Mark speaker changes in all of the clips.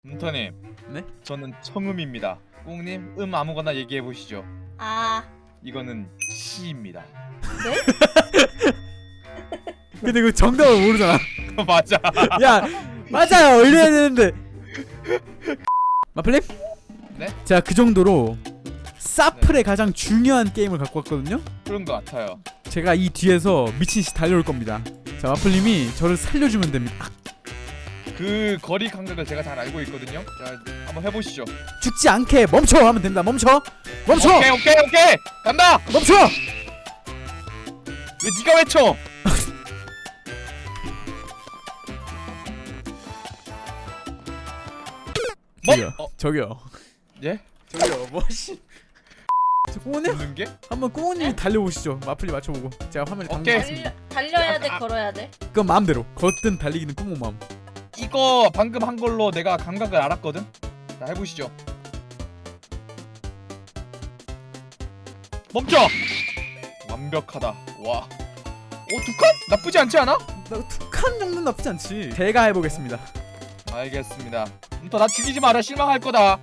Speaker 1: 문터님.
Speaker 2: 네?
Speaker 1: 저는 청음입니다. 꽁님 아무거나 얘기해 보시죠.
Speaker 3: 아,
Speaker 1: 이거는 시입니다.
Speaker 3: 네?
Speaker 2: 근데 그 정답을 모르잖아.
Speaker 1: 맞아.
Speaker 2: 야, 맞아요. 올려야 되는데. 마플님?
Speaker 1: 네?
Speaker 2: 제가 그 정도로 사플의 가장 중요한 게임을 갖고 왔거든요.
Speaker 1: 그런 것 같아요.
Speaker 2: 제가 이 뒤에서 미친듯이 달려올 겁니다. 자, 마플님이 저를 살려주면 됩니다.
Speaker 1: 그 거리 감각을 제가 잘 알고 있거든요. 자, 한번 해보시죠.
Speaker 2: 죽지 않게 멈춰 하면 됩니다. 멈춰. 멈춰.
Speaker 1: 오케이. 간다.
Speaker 2: 멈춰.
Speaker 1: 왜 네가 외쳐?
Speaker 2: 저기요.
Speaker 1: 어?
Speaker 2: 저기요.
Speaker 1: 예?
Speaker 2: 저기요. 뭐시? 꼬우님
Speaker 1: 웃는 게?
Speaker 2: 한번 꼬우님이 달려보시죠. 마플이 맞춰보고 제가 화면에
Speaker 1: 오케이.
Speaker 2: 담겠습니다.
Speaker 3: 달려야 돼, 걸어야 돼.
Speaker 2: 그건 마음대로. 걷든 달리기는 꼬우 마음.
Speaker 1: 이거 방금 한 걸로 내가 감각을 알았거든. 자, 해보시죠. 멈춰. 완벽하다. 와. 두 칸? 나쁘지 않지 않아?
Speaker 2: 툭한 정도는 나쁘지 않지. 제가 해보겠습니다.
Speaker 1: 알겠습니다. 나 죽이지 마라. 실망할 거다.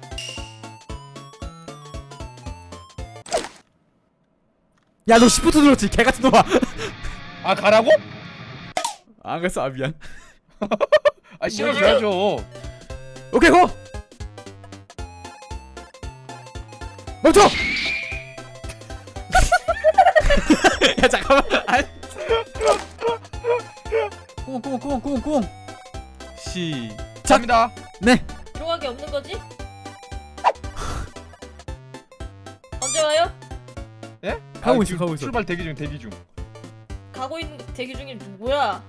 Speaker 2: 야, 너 시프트 눌렀지? 개같은 놈아.
Speaker 1: 아, 가라고?
Speaker 2: 안 갔어. 아, 미안.
Speaker 1: 아, 실어줘야죠.
Speaker 2: 오케이, 고! 멈춰! 야, 잠깐만. 꽁꽁꽁꽁꽁꽁. 시작.
Speaker 1: 갑니다.
Speaker 2: 네.
Speaker 3: 들어가기 없는 거지? 언제 와요?
Speaker 1: 예?
Speaker 2: 가고 있어,
Speaker 1: 지금
Speaker 2: 가고 있어.
Speaker 1: 출발 대기 중.
Speaker 3: 가고 있는 대기 중에 누구야?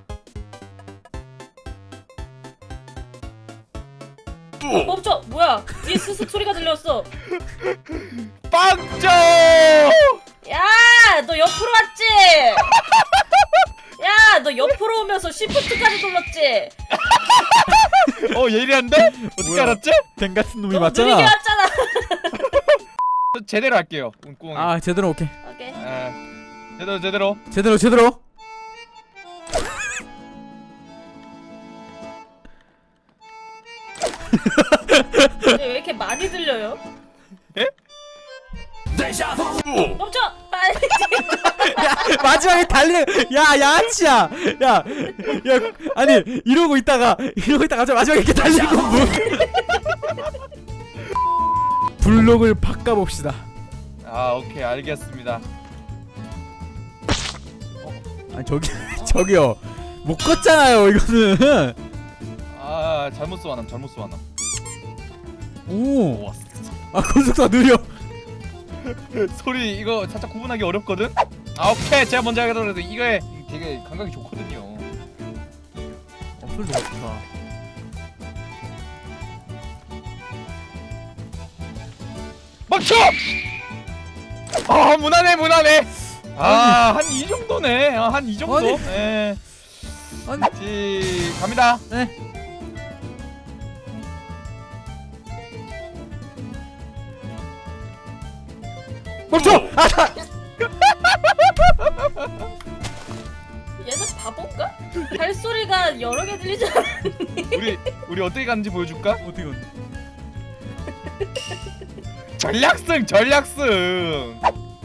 Speaker 3: 멈춰! 뭐야? 뒤에 스스 소리가 들렸어.
Speaker 1: 빵점!
Speaker 3: 야, 너 옆으로 왔지? 야, 너 옆으로 오면서 시프트까지 눌렀지?
Speaker 1: 예리한데? 어떻게
Speaker 2: 뭐야?
Speaker 1: 알았지?
Speaker 2: 댕 같은 놈이
Speaker 3: 너무 느리게
Speaker 2: 맞잖아.
Speaker 3: 왔잖아.
Speaker 1: 저 제대로 할게요. 꽁꽁.
Speaker 2: 아, 제대로. 오케이.
Speaker 3: 오케이.
Speaker 1: 제대로.
Speaker 2: 제대로.
Speaker 3: 근데 왜 이렇게 많이 들려요?
Speaker 1: 에?
Speaker 3: 멈춰! 빨리!
Speaker 2: 야, 마지막에 달리는. 야, 양아치야. 야, 아니 이러고 있다가 갑자기 마지막에 이렇게 달리는 건 뭐? 블록을 바꿔봅시다.
Speaker 1: 아, 오케이, 알겠습니다.
Speaker 2: 아, 저기요. 못 걷잖아요, 이거는.
Speaker 1: 아, 잘못 쏘아남.
Speaker 2: 오.
Speaker 1: 와,
Speaker 2: 아, 건속도가 느려.
Speaker 1: 소리 이거 살짝 구분하기 어렵거든? 아, 오케이, 제가 먼저 하더라도 이거에 되게 감각이 좋거든요.
Speaker 2: 소리 너무 좋다.
Speaker 1: 멈춰! 아, 무난해. 아, 한 이 정도네. 한 이 정도.
Speaker 2: 아니.
Speaker 1: 네.
Speaker 2: 아니.
Speaker 1: 갑니다.
Speaker 2: 네. 멈춰! 아,
Speaker 3: 얘는 바본가? 발소리가 여러 개 들리잖아.
Speaker 1: 우리 어떻게 가는지 보여줄까?
Speaker 2: 어떻게 걷니?
Speaker 1: 전략승.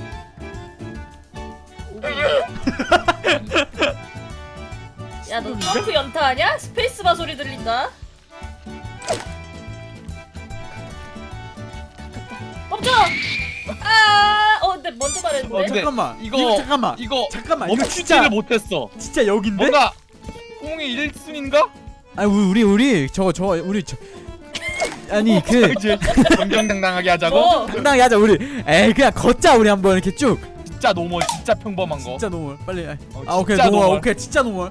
Speaker 3: 야, 너 점프 연타하냐? 스페이스바 소리 들린다. 멈춰! 근데 먼저 말했는데.
Speaker 1: 근데
Speaker 2: 잠깐만.
Speaker 1: 이거
Speaker 2: 잠깐만.
Speaker 1: 이거
Speaker 2: 잠깐만. 이거
Speaker 1: 멈추지를 못했어.
Speaker 2: 진짜 여긴데?
Speaker 1: 뭔가 꽁이 1순인가?
Speaker 2: 아니 우리 저거 우리 아니 그
Speaker 1: 정정당당하게 하자고?
Speaker 3: 뭐?
Speaker 2: 당당하게 하자 우리. 에이, 그냥 걷자 우리 한번 이렇게 쭉.
Speaker 1: 진짜 노멀, 진짜 평범한 거.
Speaker 2: 진짜 노멀. 빨리.
Speaker 1: 진짜
Speaker 2: 오케이 노멀.
Speaker 1: 노멀.
Speaker 2: 오케이 진짜 노멀.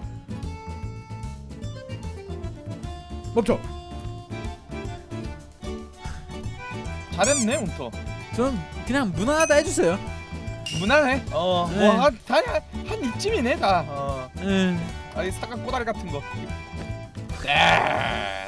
Speaker 2: 멈춰.
Speaker 1: 잘했네, 운터.
Speaker 2: 전 그냥 무난하다 해주세요.
Speaker 1: 무난해.
Speaker 2: 네.
Speaker 1: 한 이쯤이네 다.
Speaker 2: 음.
Speaker 1: 아니 사각 꼬다리 같은 거.